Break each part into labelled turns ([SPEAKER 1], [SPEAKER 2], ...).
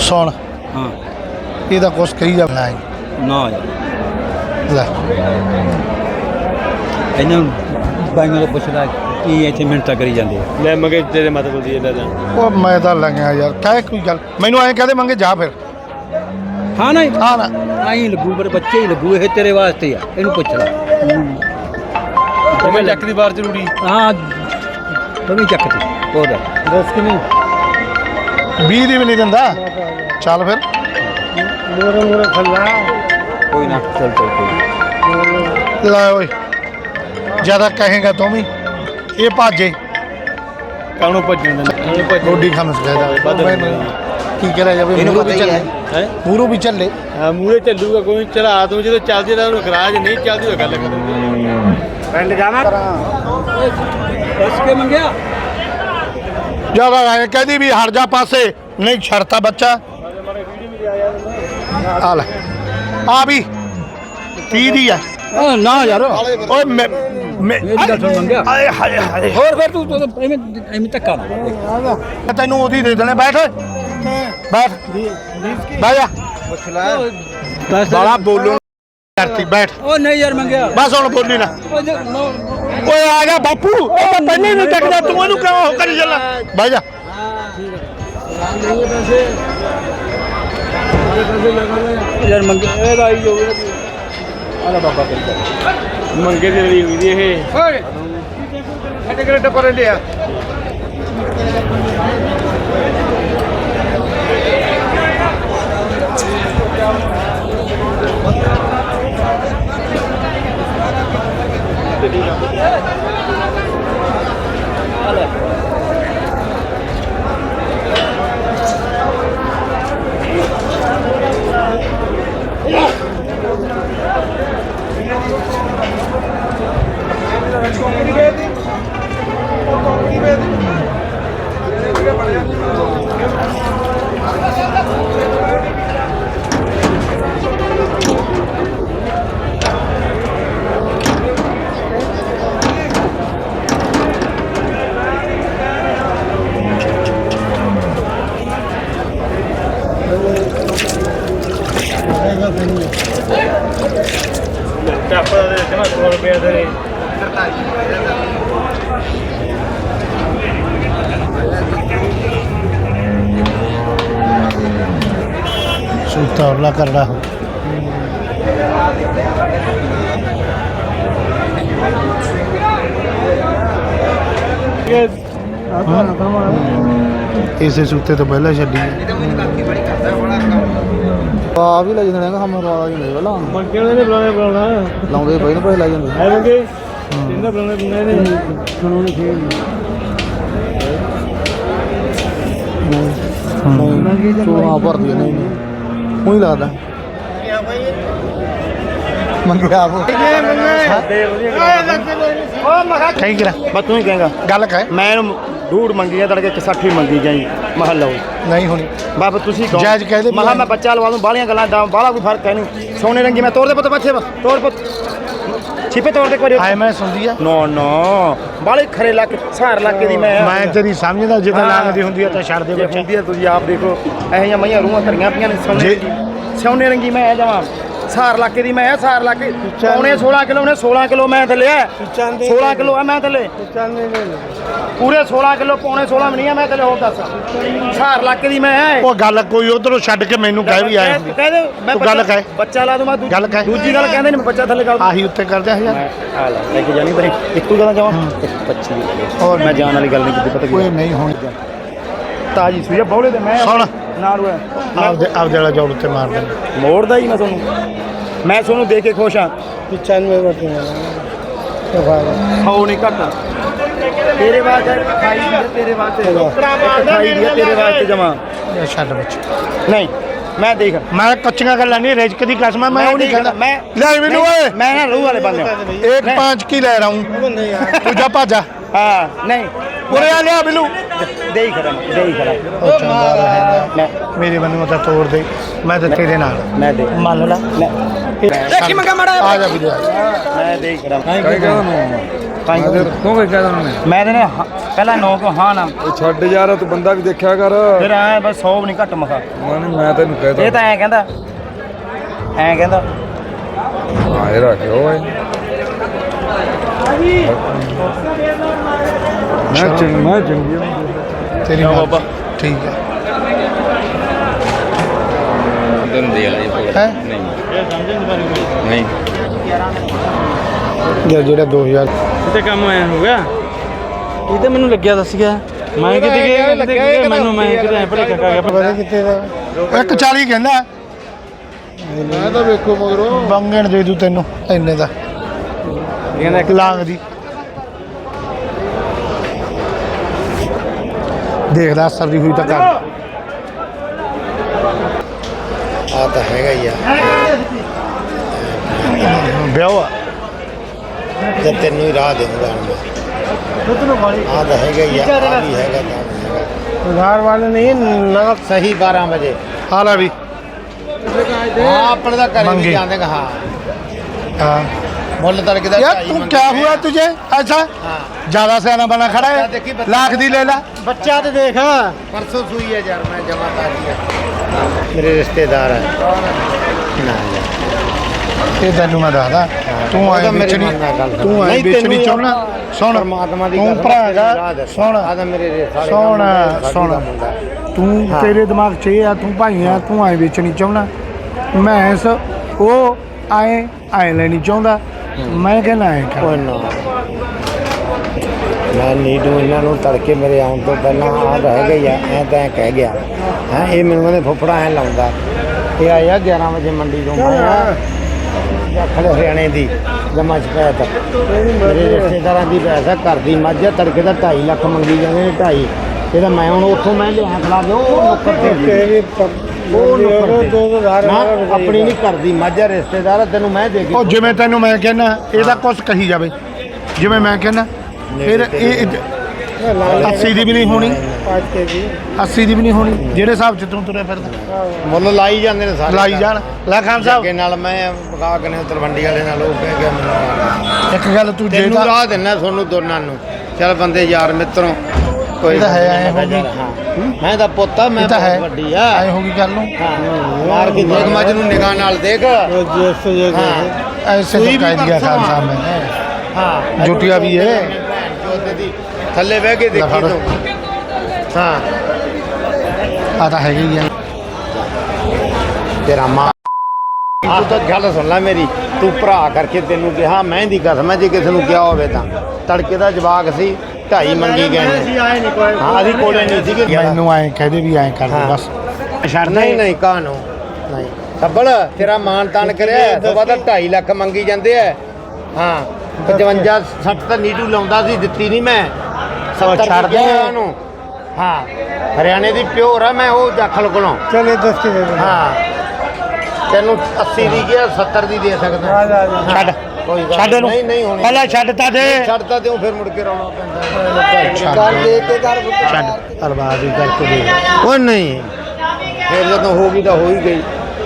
[SPEAKER 1] ਸੁਣ
[SPEAKER 2] ਹਾਂ
[SPEAKER 1] ਇਹਦਾ ਕੁਛ ਕਹੀ ਜਾ ਨਾ
[SPEAKER 2] ਨਾ ਯਾਰ
[SPEAKER 1] ਲੈ
[SPEAKER 2] ਇਹਨਾਂ ਬਾਈਆਂ ਨੂੰ ਪੁੱਛਦਾ ਕੀ ਇੱਥੇ ਮਿੰਟਾਂ ਕਰੀ ਜਾਂਦੇ ਆ
[SPEAKER 3] ਲੈ ਮੰਗੇ ਤੇਰੇ ਮਤਲਬ ਦੀ ਲੈ ਲੈ
[SPEAKER 1] ਉਹ ਮੈਂ ਤਾਂ ਲੱਗਿਆ ਯਾਰ ਕਹਿ ਕੋਈ ਗੱਲ ਮੈਨੂੰ ਐਂ ਕਹਦੇ ਮੰਗੇ ਜਾ ਫਿਰ
[SPEAKER 2] ਹਾਂ ਨਹੀਂ
[SPEAKER 1] ਹਾਂ ਨਾ
[SPEAKER 2] ਆਈ ਲੱਗੂ ਪਰ ਬੱਚੇ ਹੀ ਲੱਗੂ ਇਹ ਤੇਰੇ ਵਾਸਤੇ ਆ ਇਹਨੂੰ ਪੁੱਛ ਲੈ
[SPEAKER 3] ਮੈਂ ਚੱਕ ਦੀ ਬਾਰ ਜ਼ਰੂਰੀ
[SPEAKER 2] ਹਾਂ ਤੂੰ ਚੱਕਤੀ ਹੋਰ
[SPEAKER 1] ਦੱਸ ਕਿ ਨਹੀਂ 20 ਦੀ ਵੀ ਨਹੀਂ ਦਿੰਦਾ ਚੱਲ ਫਿਰ ਮੋਰੇ ਖੱਲਾ
[SPEAKER 2] ਕੋਈ ਨਾ ਚੱਲ ਕੋਈ
[SPEAKER 1] ਲੈ ਓਏ ਜਿਆਦਾ ਕਹੇਗਾ ਤੂੰ ਵੀ ਇਹ ਭਾਜੇ
[SPEAKER 3] ਕਾਹਨੂੰ ਭੱਜਣ ਦੇ
[SPEAKER 1] ਰੋਡੀ ਖਾਣ ਸਕਦਾ ਕੀ ਕਰਿਆ ਜਾਵੇ
[SPEAKER 2] ਇਹਨੂੰ
[SPEAKER 1] ਮੂਰੂ
[SPEAKER 2] ਪਤਾ
[SPEAKER 1] ਵੀ
[SPEAKER 2] ਹੀ
[SPEAKER 1] ਚੱਲੇ
[SPEAKER 2] ਹੈ
[SPEAKER 1] ਮੂਰੂ ਵੀ ਚੱਲੇ
[SPEAKER 3] ਹਾਂ ਮੂਹਰੇ ਚੱਲੂਗਾ ਕੋਈ ਚਲਾ ਤੂੰ ਜਦੋਂ ਚੱਲਦੀ ਤਾਂ ਉਹਨੂੰ ਗਰਾਜ ਨਹੀਂ ਚੱਲਦੀ ਤਾਂ ਗੱਲ ਕਰ
[SPEAKER 1] ਪਿੰਡ ਜਾਣਾ
[SPEAKER 2] ਦੱਸ ਕੇ ਮੰਗਿਆ
[SPEAKER 1] ਜਿਆਦਾ ਐ ਕਹਦੀ ਵੀ ਹਟ ਜਾ ਪਾਸੇ ਨਹੀਂ ਛੜਤਾ ਬੱਚਾ ਆ ਲੈ ਆ ਵੀ 30 ਦੀ ਆ
[SPEAKER 2] ਨਾ ਯਾਰ
[SPEAKER 1] ਓਏ ਮੈਂ
[SPEAKER 2] ਮੇਰੀ ਗੱਲ ਸੁਣ ਮੰਗਿਆ
[SPEAKER 1] ਆਏ ਹਾਏ ਹਾਏ
[SPEAKER 2] ਹੋਰ ਫਿਰ ਤੂੰ ਐਵੇਂ ਧੱਕਾ ਨਾ
[SPEAKER 1] ਤੈਨੂੰ ਉਹਦੀ ਦੇ ਦੇਣੇ ਬੈਠ ਬੈਠ ਬਹਿ ਜਾ ਬਾਲਾ ਬੋਲੋ ਕਰਤੀ ਬੈਠ
[SPEAKER 2] ਉਹ ਨਹੀਂ ਯਾਰ ਮੰਗਿਆ
[SPEAKER 1] ਬਸ ਹੁਣ ਬੋਲੀ ਨਾ ਓਏ ਆ ਗਿਆ ਬਾਪੂ ਉਹ ਤਾਂ ਪਹਿਲੇ ਨਹੀਂ ਟੱਕਦਾ ਤੂੰ ਇਹਨੂੰ ਕਿਉਂ ਉਹ ਕਰੀ ਚੱਲਾ ਬਹਿ ਜਾ
[SPEAKER 2] ਯਾਰ ਮੰਗੇ ਇਹਦਾ ਆਈ ਜੋ ਆਲਾ ਬਾਬਾ ਕਰਦਾ
[SPEAKER 3] ਮੰਗੇ ਦੀ ਲੜੀ ਹੋਈ ਦੀ ਇਹ
[SPEAKER 1] ਓਏ ਐਡੇ ਕਿਹੜੇ ਟੱਪਰ ਲਿਆ
[SPEAKER 3] ਟੱਪ ਦੇ ਜਮਾ 100 ਰੁਪਏ ਦੇ
[SPEAKER 1] ਸੁੱਤਾ ਉਰਲਾ ਕਰਦਾ ਇਸੇ ਸੁੱਤੇ ਤੋਂ ਪਹਿਲਾਂ ਛੱਡੀ
[SPEAKER 4] ਆ ਵੀ ਲੈ ਜਾਂਦੇ ਨੇ ਕੰਮ ਰਵਾ ਹੀ ਨਹੀਂ ਪਹਿਲਾਂ
[SPEAKER 3] ਮੰਗੇ ਨੇ ਬੁਲਾਉਣਾ
[SPEAKER 4] ਲਾਉਂਦੇ ਪਏ ਨੇ ਪੈਸੇ ਲੈ ਜਾਂਦੇ
[SPEAKER 3] ਹੈ ਮੰਗੇ ਜਿੰਨਾ ਬੁਲਾਉਣਾ ਨੇ
[SPEAKER 4] ਸੁਣਾਉਣੀ ਖੇਡ ਚੋਣਾ ਭਰਦੀ ਨਹੀਂ ਉਹੀ ਲੱਗਦਾ ਮੰਗਿਆ ਆਪ
[SPEAKER 1] ਕਹੀ ਕਰਾ
[SPEAKER 4] ਬਸ ਤੂੰ ਹੀ ਕਹੇਗਾ
[SPEAKER 1] ਗੱਲ ਕਹਿ
[SPEAKER 4] ਮੈਂ ਇਹਨੂੰ ਡੂੜ ਮੰਗੀ ਆ ਤੜਕੇ 60 ਮੰਗੀ ਜਾਈ ਮਹਲ ਲਓ
[SPEAKER 1] ਨਹੀਂ ਹੋਣੀ
[SPEAKER 4] ਬਾਬਾ ਤੁਸੀਂ ਕਹੋ
[SPEAKER 1] ਜਾਇਜ਼ ਕਹਿ ਦੇ
[SPEAKER 4] ਮਹਾ ਮੈਂ ਬੱਚਾ ਲਵਾ ਦੂੰ ਬਾਹਲੀਆਂ ਗੱਲਾਂ ਦਾ ਬਾਹਲਾ ਕੋਈ ਫਰਕ ਹੈ ਨਹੀਂ ਸੋਨੇ ਰੰਗੀ ਮੈਂ ਤੋੜ ਦੇ ਪੁੱਤ ਬੱਚੇ ਤੋੜ ਪੁੱਤ ਛਿਪੇ ਤੋੜ ਦੇ ਕੋਈ
[SPEAKER 1] ਆਏ ਮੈਂ ਸੁਣਦੀ ਆ
[SPEAKER 4] ਨੋ ਨੋ ਬਾਹਲੇ ਖਰੇ ਲੱਕ ਸਹਾਰ ਲੱਕੇ ਦੀ
[SPEAKER 1] ਮੈਂ ਤੇਰੀ ਸਮਝਦਾ ਜਿੱਦਾਂ ਲੱਗਦੀ ਹੁੰਦੀ ਆ ਤਾਂ ਛੱਡ ਦੇ
[SPEAKER 4] ਜੇ
[SPEAKER 1] ਬੱਚਾ
[SPEAKER 4] ਹੁੰਦੀ ਆ ਤੁਸੀਂ ਆਪ ਦੇਖੋ ਇਹੋ ਜਿਹੀਆਂ ਮਈਆਂ ਰੂਹਾਂ ਧਰੀਆਂ ਪਈਆਂ ਨੇ ਸੋਨੇ ਰੰਗੀ ਮੈਂ ਇਹ ਜਾਵਾਂ ਸਹਾਰ ਲੱਕੇ ਦੀ ਮੈਂ ਸਹਾਰ ਲੱਕੇ ਪੌਣੇ 16 ਕਿਲੋ ਨੇ 16 ਕਿਲੋ ਮੈਂ ਥੱਲੇ ਆ 16 ਕਿਲੋ ਆ ਮੈਂ ਥੱਲੇ ਪੂਰੇ 16 ਕਿਲੋ ਪੌਣੇ 16 ਵੀ ਨਹੀਂ ਆ ਮੈਂ ਥੱਲੇ ਹੋਰ ਦੱਸ ਸਹਾਰ ਲੱਕੇ ਦੀ ਮੈਂ
[SPEAKER 1] ਉਹ ਗੱਲ ਕੋਈ ਉਧਰੋਂ ਛੱਡ ਕੇ ਮੈਨੂੰ ਕਹਿ ਵੀ ਆਏ
[SPEAKER 4] ਕਹਿ ਦੇ ਮੈਂ
[SPEAKER 1] ਤੂੰ ਗੱਲ ਕਹਿ
[SPEAKER 4] ਬੱਚਾ ਲਾ ਦੂੰ ਮੈਂ
[SPEAKER 1] ਗੱਲ ਕਹਿ
[SPEAKER 4] ਦੂਜੀ ਗੱਲ ਕਹਿੰਦੇ ਨੇ ਮੈਂ ਬੱਚਾ ਥੱਲੇ ਕਰ
[SPEAKER 1] ਆਹੀ ਉੱਤੇ ਕਰਦੇ ਆ ਯਾਰ
[SPEAKER 4] ਆ ਲੈ ਕੇ ਜਾਣੀ ਬਰੇ ਇੱਕੋ ਗੱਲ ਜਾਵਾਂ 25
[SPEAKER 1] ਹੋਰ
[SPEAKER 4] ਮੈਂ ਜਾਣ ਵਾਲੀ ਗੱਲ ਨਹੀਂ ਕੀਤੀ ਪਤਾ
[SPEAKER 1] ਕੋਈ
[SPEAKER 4] ਕੀ
[SPEAKER 1] ਨਹੀਂ ਹੋਣੀ
[SPEAKER 4] ਤਾਜੀ ਸੂਈ ਬੌਲੇ ਤੇ ਮੈਂ
[SPEAKER 1] ਸੁਣ
[SPEAKER 4] ਨਾਲ ਹੋਇਆ
[SPEAKER 1] ਆਪਦੇ ਵਾਲਾ ਜੋੜ ਉੱਤੇ ਮਾਰ ਦੇ
[SPEAKER 4] ਮੋੜਦਾ ਹੀ ਮੈਂ ਤੁਹਾਨੂੰ ਦੇਖ ਕੇ ਖੁਸ਼ ਹਾਂ
[SPEAKER 1] 95 ਵਰਤੇ
[SPEAKER 4] ਖਾਓ ਨਹੀਂ ਘੱਟ ਤੇਰੇ ਵਾਸਤੇ ਖਾਈ ਦੀ ਤੇਰੇ ਵਾਸਤੇ ਖਾਈ ਦੀ ਤੇਰੇ ਵਾਸਤੇ ਜਮਾ
[SPEAKER 1] ਛੱਡ ਬੱਚਾ
[SPEAKER 4] ਨਹੀਂ ਮੈਂ ਦੇਖ
[SPEAKER 1] ਮੈਂ ਕੱਚੀਆਂ ਗੱਲਾਂ ਨਹੀਂ ਰਿਜਕ ਦੀ ਕਸਮ ਮੈਂ ਉਹ ਨਹੀਂ ਕਹਿੰਦਾ
[SPEAKER 4] ਮੈਂ
[SPEAKER 1] ਲੈ ਮੈਨੂੰ ਓਏ
[SPEAKER 4] ਮੈਂ ਨਾ ਰੂਹ ਵਾਲੇ ਬੰਦੇ
[SPEAKER 1] एक 5 की ले रहा हूँ तू जा भाजा
[SPEAKER 4] ਹਾਂ ਨਹੀਂ
[SPEAKER 1] उरे आ लिया बिलू
[SPEAKER 4] ਦੇ ਹੀ ਖੜਾ ਮੈਂ
[SPEAKER 1] मेरे बंदे तो तोड़ दे मैं तो तेरे नाल
[SPEAKER 4] ਮੈਂ ਦੇ
[SPEAKER 1] मान ला
[SPEAKER 2] ਦੇਖੀ ਮੰਗਾ ਮਾੜਾ
[SPEAKER 1] आ जा बिलू
[SPEAKER 4] ਮੈਂ ਦੇ ਹੀ ਖੜਾ
[SPEAKER 3] ਕਾਈ ਕਹਦਾ ਨੂੰ
[SPEAKER 4] ਤਾਂ
[SPEAKER 3] ਤੂੰ ਕੀ ਕਹਦਾ ਨੂੰ
[SPEAKER 4] ਮੈਂ ਤੇ ਪਹਿਲਾਂ 9 ਕਿਉਂ ਹਾਂ ਨਾ
[SPEAKER 2] ਉਹ ਛੱਡ ਯਾਰ ਤੂੰ ਬੰਦਾ ਵੀ ਦੇਖਿਆ ਕਰ
[SPEAKER 4] ਫਿਰ ਐ ਬਸ 100 ਵੀ ਨਹੀਂ ਘੱਟ ਮਖਾ
[SPEAKER 2] ਮੈਂ ਤੈਨੂੰ ਕਹਿਦਾ
[SPEAKER 4] ਇਹ ਤਾਂ ਐਂ ਕਹਿੰਦਾ
[SPEAKER 2] ਹਾਂ ਇਹ ਰੱਖਿਓ ਓਏ ਮੈਂ ਚੰਗੀ
[SPEAKER 1] ਤੇਰੀ ਬਾਬਾ ਠੀਕ ਹੈ ਹੈ
[SPEAKER 3] ਨਹੀਂ
[SPEAKER 1] ਜਿਹੜਾ 2000
[SPEAKER 2] ਤੇ ਕੰਮ ਆਇਆ ਹੋ ਗਿਆ ਇਹ ਤਾਂ ਮੈਨੂੰ ਲੱਗਿਆ ਦੱਸ ਗਿਆ ਮੈਂ ਕਿਤੇ ਮੈਨੂੰ ਮੈਂ ਕਿਤੇ ਭਲੇ ਕੱਕਾ ਗਿਆ
[SPEAKER 1] ਪਤਾ ਕਿੱਥੇ ਦਾ 140 ਕਹਿੰਦਾ
[SPEAKER 3] ਮੈਂ ਤਾਂ ਵੇਖੋ ਮਗਰੋਂ
[SPEAKER 1] ਬੰਗਣ ਦੇ ਦੂ ਤੈਨੂੰ ਇੰਨੇ ਦਾ
[SPEAKER 2] ਕਹਿੰਦਾ
[SPEAKER 1] ਇੱਕ ਲਾਂਗ ਦੀ ਦੇਖਦਾ ਅਸਰ ਦੀ ਹੋਈ ਤਾਂ ਕਰ
[SPEAKER 3] ਆ ਤਾਂ ਹੈਗਾ ਹੀ ਆ
[SPEAKER 1] ਵਿਆਹ ਆ
[SPEAKER 3] ਜੇ ਤੈਨੂੰ ਹੀ ਰਾਹ ਦੇਊਗਾ ਆ ਤਾਂ ਹੈਗਾ ਹੀ ਆ ਆ ਵੀ ਹੈਗਾ
[SPEAKER 1] ਉਧਾਰ ਵਾਲੇ ਨਹੀਂ ਨਾ
[SPEAKER 3] ਸਹੀ 12 ਵਜੇ
[SPEAKER 1] ਹਾਲਾ ਵੀ
[SPEAKER 3] ਹਾਂ ਆਪਣੇ ਦਾ ਘਰੇ
[SPEAKER 1] ਮੰਗੇ।
[SPEAKER 3] ਵੀ ਜਾਂਦੇ ਹਾਂ
[SPEAKER 1] हाँ
[SPEAKER 3] ਮੁੱਲ ਤੜਕੇ ਦਾ
[SPEAKER 1] यार तू क्या हुआ तुझे ऐसा
[SPEAKER 3] हाँ
[SPEAKER 1] ज्यादा सियाना बना खड़ा है
[SPEAKER 3] देखी बच्चा-
[SPEAKER 1] लाख दी ले ला
[SPEAKER 3] ਬੱਚਾ ਤੇ ਦੇਖ ਪਰਸੋਂ ਸੂਈ ਹੈ ਯਾਰ ਮੈਂ ਜਮਾ ਕਰ ਮੇਰੇ ਰਿਸ਼ਤੇਦਾਰ ਹੈ ਨਾ
[SPEAKER 1] ये तेन मैं दसदा तू
[SPEAKER 3] ਉਹ
[SPEAKER 1] आए
[SPEAKER 3] ਤਾਂ ਮੇਰੀ
[SPEAKER 1] बेचनी
[SPEAKER 3] ਮੰਨਣਾ ਗੱਲ
[SPEAKER 1] तू आए
[SPEAKER 3] ਨਹੀਂ,
[SPEAKER 1] बेचनी
[SPEAKER 3] ਤੈਨੂੰ
[SPEAKER 1] चाहना सुन
[SPEAKER 3] ਪਰਮਾਤਮਾ ਦੀ
[SPEAKER 1] तू
[SPEAKER 3] ਕਸਮ
[SPEAKER 1] भरा
[SPEAKER 3] ਤੇਰੀ ਰਾਹ
[SPEAKER 1] है
[SPEAKER 3] ਦੱਸ।
[SPEAKER 1] सुन
[SPEAKER 3] ਆਹ ਤਾਂ ਮੇਰੇ ਸਾਰੇ
[SPEAKER 1] सुन
[SPEAKER 3] ਕੰਮ
[SPEAKER 1] सुन
[SPEAKER 3] ਦਾ ਮੁੰਡਾ ਹੈ।
[SPEAKER 1] तू
[SPEAKER 3] हाँ।
[SPEAKER 1] तेरे दिमाग च ये है तू भाई है तू आए बेचनी चाहना मैं इस वो आए आए लेनी चाहता मैं कहना आए कर
[SPEAKER 3] ਓਏ ਨਾ ਮੈਂ ਨੀਡੂ ਇਹਨਾਂ ਨੂੰ ਤੜਕੇ ਮੇਰੇ ਆਉਣ ਤੋਂ ਪਹਿਲਾਂ ਆ ਰਹਿ ਗਈ ਆ ਐ ਤਾਂ ਕਹਿ ਗਿਆ ਹੈ ਇਹ ਮੈਨੂੰ ਕਹਿੰਦੇ ਫੁੱਫੜਾ ਐ ਲਾਉਂਦਾ ਇਹ ਆਇਆ 11 ਵਜੇ ਮੰਡੀ ਤੋਂ ਮੈਂ ਖੜੇ ਹਰਿਆਣੇ ਦੀ ਜਮਾ ਸ਼ਿਕਾਇਤ ਮੇਰੇ ਰਿਸ਼ਤੇਦਾਰਾਂ ਦੀ ਪੈਸਾ ਘਰ ਦੀ ਮੱਝ ਆ, ਤੜਕੇ ਦਾ 2.5 ਲੱਖ ਮੰਗੀ ਜਾਂਦੇ ਨੇ 2.5 ਇਹਦਾ ਮੈਂ ਹੁਣ ਉੱਥੋਂ ਮੈਂ ਲਿਆ ਖਲਾ ਦਿਓ ਉਹ ਨੁੱਕਰ ਤੇ ਉਹ ਨੁੱਕਰ ਤੇ ਨਾ ਆਪਣੀ ਨਹੀਂ ਘਰ ਦੀ ਮੱਝ ਆ, ਰਿਸ਼ਤੇਦਾਰ ਆ, ਤੈਨੂੰ ਮੈਂ ਦੇ ਕੇ
[SPEAKER 1] ਉਹ ਜਿਵੇਂ ਤੈਨੂੰ ਮੈਂ ਕਹਿਣਾ ਇਹਦਾ ਕੁਝ ਕਹੀ ਜਾਵੇ ਜਿਵੇਂ ਮੈਂ ਕਹਿਣਾ ਫਿਰ ਇਹ 80 ਦੀ ਵੀ ਨਹੀਂ ਹੋਣੀ 80 ਦੀ ਵੀ ਨਹੀਂ ਹੋਣੀ ਜਿਹੜੇ ਹਿਸਾਬ ਚ ਤੂੰ ਤੁਰਿਆ ਫਿਰਦਾ
[SPEAKER 3] ਮੁੱਲ ਲਾਈ ਜਾਂਦੇ ਨੇ ਸਾਰੇ
[SPEAKER 1] ਲਾਈ ਜਾਣ ਲੈ ਖਾਨ ਸਾਹਿਬ
[SPEAKER 3] ਅੱਗੇ ਨਾਲ ਮੈਂ ਪਕਾ ਕੇ ਨੇ ਤਲਵੰਡੀ ਵਾਲੇ ਨਾਲ ਉਹ ਕਹਿ ਗਿਆ ਮੈਨੂੰ
[SPEAKER 1] ਇੱਕ ਗੱਲ ਤੂੰ
[SPEAKER 3] ਤੈਨੂੰ
[SPEAKER 1] ਜਿਹੜਾ
[SPEAKER 3] ਰਾਹ ਦਿੰਨਾ ਤੁਹਾਨੂੰ ਦੋਨਾਂ ਨੂੰ ਚੱਲ ਬੰਦੇ ਯਾਰ ਮਿੱਤਰੋਂ ਕੋਈ
[SPEAKER 1] ਇਹ ਤਾਂ ਹੈ, ਐਂ ਹੋ ਗਈ।
[SPEAKER 3] ਮੈਂ ਤਾਂ ਪੁੱਤਾ ਮੈਂ
[SPEAKER 1] ਇਹ ਤਾਂ ਹੈ
[SPEAKER 3] ਬਹੁਤ ਵੱਡੀ ਆ
[SPEAKER 1] ਐ ਹੋ ਗਈ ਗੱਲ ਨੂੰ
[SPEAKER 3] ਹਾਂ ਮਾਰ ਕੇ ਦੇਖ ਮੱਝ ਨੂੰ ਨਿਗਾਹ ਨਾਲ ਦੇਖ ਹਾਂ
[SPEAKER 1] ऐसे तो
[SPEAKER 3] ਸੂਈ
[SPEAKER 1] कह
[SPEAKER 3] ਵੀ
[SPEAKER 1] दिया
[SPEAKER 3] ਪਰਸੋਂ
[SPEAKER 1] खान
[SPEAKER 3] ਆ।
[SPEAKER 1] साहब ने
[SPEAKER 3] ਹਾਂ
[SPEAKER 1] ਜੁੱਤੀਆਂ ਵੀ ਹੈ।
[SPEAKER 3] ਜੋਤੇ ਦੀ ਥੱਲੇ ਬਹਿ ਕੇ ਦੇਖੀ
[SPEAKER 1] ਲਫੜ।
[SPEAKER 3] ਤੂੰ ਹਾਂ
[SPEAKER 1] आता है ही है
[SPEAKER 3] ਤੇਰਾ ਮਾਂ ਆਹ ਤਾਂ ਗੱਲ ਸੁਣ ਲੈ ਮੇਰੀ ਤੂੰ ਭਰਾ ਕਰਕੇ ਤੈਨੂੰ ਕਿਹਾ ਮਹਿੰਦੀ ਕਸਮ ਹੈ ਜੇ ਕਿਸੇ ਨੂੰ ਕਿਹਾ ਹੋਵੇ ਤਾਂ ਤੜਕੇ ਦਾ ਜਵਾਕ ਸੀ 2.5 ਮੰਗੀ ਗਏ ਨੇ ਹਾਂ ਅਸੀਂ ਕੋਲੇ ਨਹੀਂ ਸੀਗੇ
[SPEAKER 1] मैनू आए कहदे भी आए कर दो
[SPEAKER 3] हाँ।
[SPEAKER 1] बस
[SPEAKER 3] ਨਹੀਂ ਨਹੀਂ ਕਾਹਨੂੰ ਨਹੀਂ ਸੱਬਲ ਤੇਰਾ ਮਾਨ ਤਾਨ ਕਰਿਆ ਤੋਂ ਬਾਅਦ 2.5 ਲੱਖ ਮੰਗੀ ਜਾਂਦੇ ਆ ਹਾਂ 55 60 ਤਾਂ ਨੀਟੂ ਲਾਉਂਦਾ ਸੀ ਦਿੱਤੀ ਨਹੀਂ ਮੈਂ 70
[SPEAKER 1] ਛੱਡ ਦੇ।
[SPEAKER 3] ਉਹਨੂੰ ਹਾਂ ਹਰਿਆਣੇ ਦੀ ਪਿਓਰ ਆ ਮੈਂ ਉਹ ਜਾਖਲ ਕੋਲੋਂ
[SPEAKER 1] चले 10 के दे
[SPEAKER 3] ਹਾਂ ਤੈਨੂੰ 80 ਦੀ ਗਿਆ 70 ਦੀ ਦੇ ਸਕਦਾ
[SPEAKER 1] ਛੱਡ
[SPEAKER 3] ਕੋਈ ਗੱਲ
[SPEAKER 1] ਛੱਡ ਇਹਨੂੰ
[SPEAKER 3] ਨਹੀਂ ਨਹੀਂ ਹੋਣੀ
[SPEAKER 1] ਪਹਿਲਾਂ ਛੱਡਤਾ ਦੇ
[SPEAKER 3] ਛੱਡਤਾ ਦਿਓ ਫਿਰ ਮੁੜ ਕੇ ਰੌਣਾ ਪੈਂਦਾ
[SPEAKER 1] ਛੱਡ
[SPEAKER 3] ਦੇ ਕੇ ਕਰ
[SPEAKER 1] ਛੱਡ ਅਰਬਾਦ ਹੀ ਕਰਕੇ ਦੇ
[SPEAKER 3] ਉਹ ਨਹੀਂ ਫਿਰ ਜਦੋਂ ਹੋ ਗਈ ਤਾਂ ਹੋ ਹੀ ਗਈ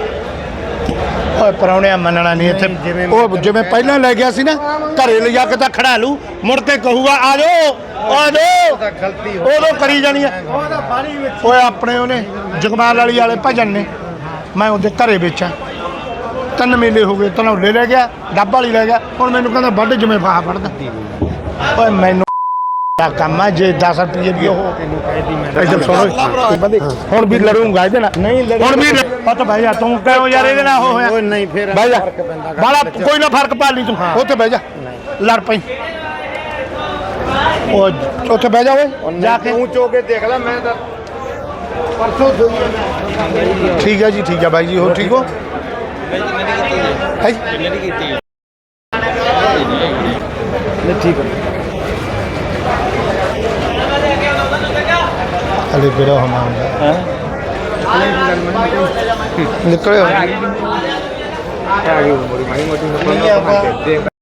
[SPEAKER 1] ਓਏ ਪਰੌਣਿਆ ਮੰਨਣਾ ਨਹੀਂ ਇੱਥੇ
[SPEAKER 3] ਜਿਵੇਂ
[SPEAKER 1] ਉਹ ਜਿਵੇਂ ਪਹਿਲਾਂ ਲੈ ਗਿਆ ਸੀ ਨਾ ਘਰੇ ਲਿਜਾ ਕੇ ਤਾਂ ਖੜਾ ਲੂ ਮੁੜ ਕੇ ਕਹੂਗਾ ਆ ਜਾਓ ਆ ਜਾਓ
[SPEAKER 3] ਤਾਂ ਗਲਤੀ ਹੋ
[SPEAKER 1] ਉਦੋਂ ਕਰੀ ਜਾਣੀ ਆ ਓਏ ਆਪਣੇ ਉਹਨੇ ਜਗਮਾਲ ਵਾਲੀ ਵਾਲੇ ਭਜਨ ਨੇ ਮੈਂ ਉਹਦੇ ਘਰੇ ਵੇਚਾਂ 3 ਮੇਲੇ ਹੋ ਗਏ ਧਨੌਲੇ ਲੈ ਗਿਆ ਡੱਬ ਵਾਲੀ ਲੈ ਗਿਆ ਹੁਣ ਮੈਨੂੰ ਕਹਿੰਦਾ ਵੱਢ ਜਿਵੇਂ ਫਾਹ ਫੜਦਾ ਓਏ ਮੈਨੂੰ ਆ ਕੰਮ ਆ ਜੇ 10 ਰੁਪਏ ਵੀ ਉਹ
[SPEAKER 3] ਤੈਨੂੰ ਕਹਿਦੀ ਮੈਂ
[SPEAKER 1] ਇੱਧਰ ਸੁਣੋ ਬੰਦੇ ਹੁਣ ਵੀ ਲੜੂੰਗਾ ਇਹਦੇ ਨਾਲ
[SPEAKER 3] ਨਹੀਂ ਲੜੀ
[SPEAKER 1] ਹੁਣ ਵੀ ਪਤ ਬਹਿ ਜਾ ਤੂੰ ਕਿਉਂ ਯਾਰ ਇਹਦੇ ਨਾਲ ਉਹ ਹੋਇਆ
[SPEAKER 3] ਓਏ ਨਹੀਂ ਫਿਰ
[SPEAKER 1] ਬਹਿ ਜਾ
[SPEAKER 3] ਫਰਕ ਪੈਂਦਾ ਗੱਲ
[SPEAKER 1] ਬਾਲਾ
[SPEAKER 3] ਵਿੱਚ।
[SPEAKER 1] ਕੋਈ ਨਾ ਫਰਕ ਪਾ ਲਈ ਤੂੰ ਉੱਥੇ ਬਹਿ ਜਾ ਲੜ ਪਈ ਉਹ ਉੱਥੇ ਬਹਿ ਜਾ ਓਏ
[SPEAKER 3] ਜਾ ਕੇ ਤੂੰ ਚੋ ਕੇ ਦੇਖ ਲੈ ਮੈਂ ਤਾਂ ਪਰਸੋਂ ਸੋਈ ਮੈਂ
[SPEAKER 1] ਠੀਕ ਹੈ ਜੀ ਠੀਕ ਹੈ ਬਾਈ ਜੀ ਹੋਰ ਠੀਕ ਹੋ ਹੈ
[SPEAKER 3] ਠੀਕ ਹੈ
[SPEAKER 1] ਅਲੇ ਬਿਰੋ ਹਮਾਂਗਾ ਨਿਕਲਿਓ
[SPEAKER 3] ਆ ਗਈ ਮੋੜੀ ਮਾੜੀ ਮੋਟੀ